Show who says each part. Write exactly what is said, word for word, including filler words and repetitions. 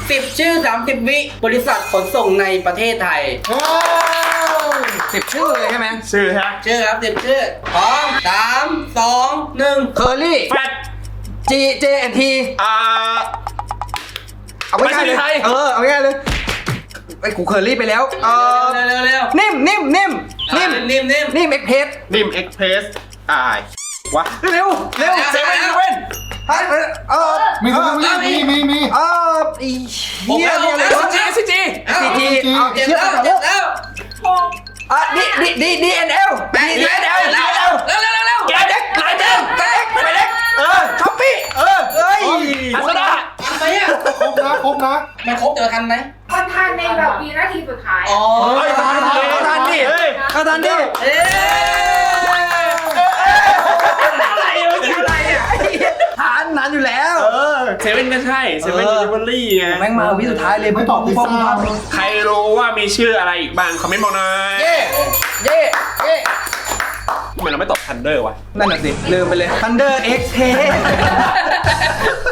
Speaker 1: สิบชื่อสามสิบวิบริษัทขนส่งในประเทศไทย
Speaker 2: สิบชื่อเลยใช่ไหม
Speaker 3: ชื่อฮะ
Speaker 1: ชื่อครับสิบชื่อพร้อมสามสองหนึ่ง
Speaker 2: เคอรี่
Speaker 3: แฟด
Speaker 2: จีเจแอนที
Speaker 3: อ่า
Speaker 2: เอาง่ายๆเลย
Speaker 3: ไปสิไทย
Speaker 2: เออเอาง่ายๆเลยไอ้กูเคอรี่ไปแล้วเออ
Speaker 1: เร็วเร็วเร็ว
Speaker 2: นิ่มนิ่มนิ่มนิ่ม
Speaker 1: นิ่มนิ่ม
Speaker 2: นิ่มเอ็กเพส
Speaker 3: นิมเอ็กเพรสอ่ายวะ
Speaker 2: เร็วเร็ว
Speaker 3: เซเว่นอีเวน
Speaker 2: เออเออ
Speaker 4: มีมีมีมีมี
Speaker 2: เอออีเฮียเนี่ยเลย
Speaker 3: เอสจีเอสจี
Speaker 2: ซีทีเอา
Speaker 1: เจ็บ
Speaker 2: เชื่อ
Speaker 1: แล้ว
Speaker 2: ต่อ
Speaker 1: เจ็บแล้ว
Speaker 2: อ่ะดีดีดีดีเอ็นเอลดีดีเอ็นเอลดีเอ็นเอล
Speaker 1: เร็วเร็วเร็วเร็ว
Speaker 3: แกเด็กหลายเด็ก
Speaker 2: ไปเล็กไปเล็ก
Speaker 3: เออ
Speaker 2: ช้อปปี้เออเอ้ย
Speaker 3: อัสดา
Speaker 1: ทันไหมอ่ะ
Speaker 4: ครบนะครบนะ
Speaker 1: มันครบเจอทันไหม
Speaker 5: มันทันในแบบวินาทีสุดท้าย
Speaker 1: อ๋อ
Speaker 3: เฮ้ยทันดิ
Speaker 2: เอาทันดิ
Speaker 3: เฮ้ย
Speaker 2: เอาทันดิ
Speaker 1: เอ๊ะ
Speaker 3: อะไรอยู่ที่อะไรอ่ะ
Speaker 2: ทานนานอยู่แล้ว
Speaker 3: เออเซเว่นก็ใช่เซเว่นยูนิเวอรี่ไง
Speaker 2: แม่งมาวิสุดท้ายเลย
Speaker 4: ไม่ตอบพิซซ่า
Speaker 3: ใครรู้ว่ามีชื่ออะไรอีกบ้างคอมเมนต์บอกหน่อย
Speaker 2: เย่เย่เย่
Speaker 3: ทำไมเราไม่ตอบทันเดอร์วะ
Speaker 2: นั่นน่ะสิลืมไปเลย Thunder X P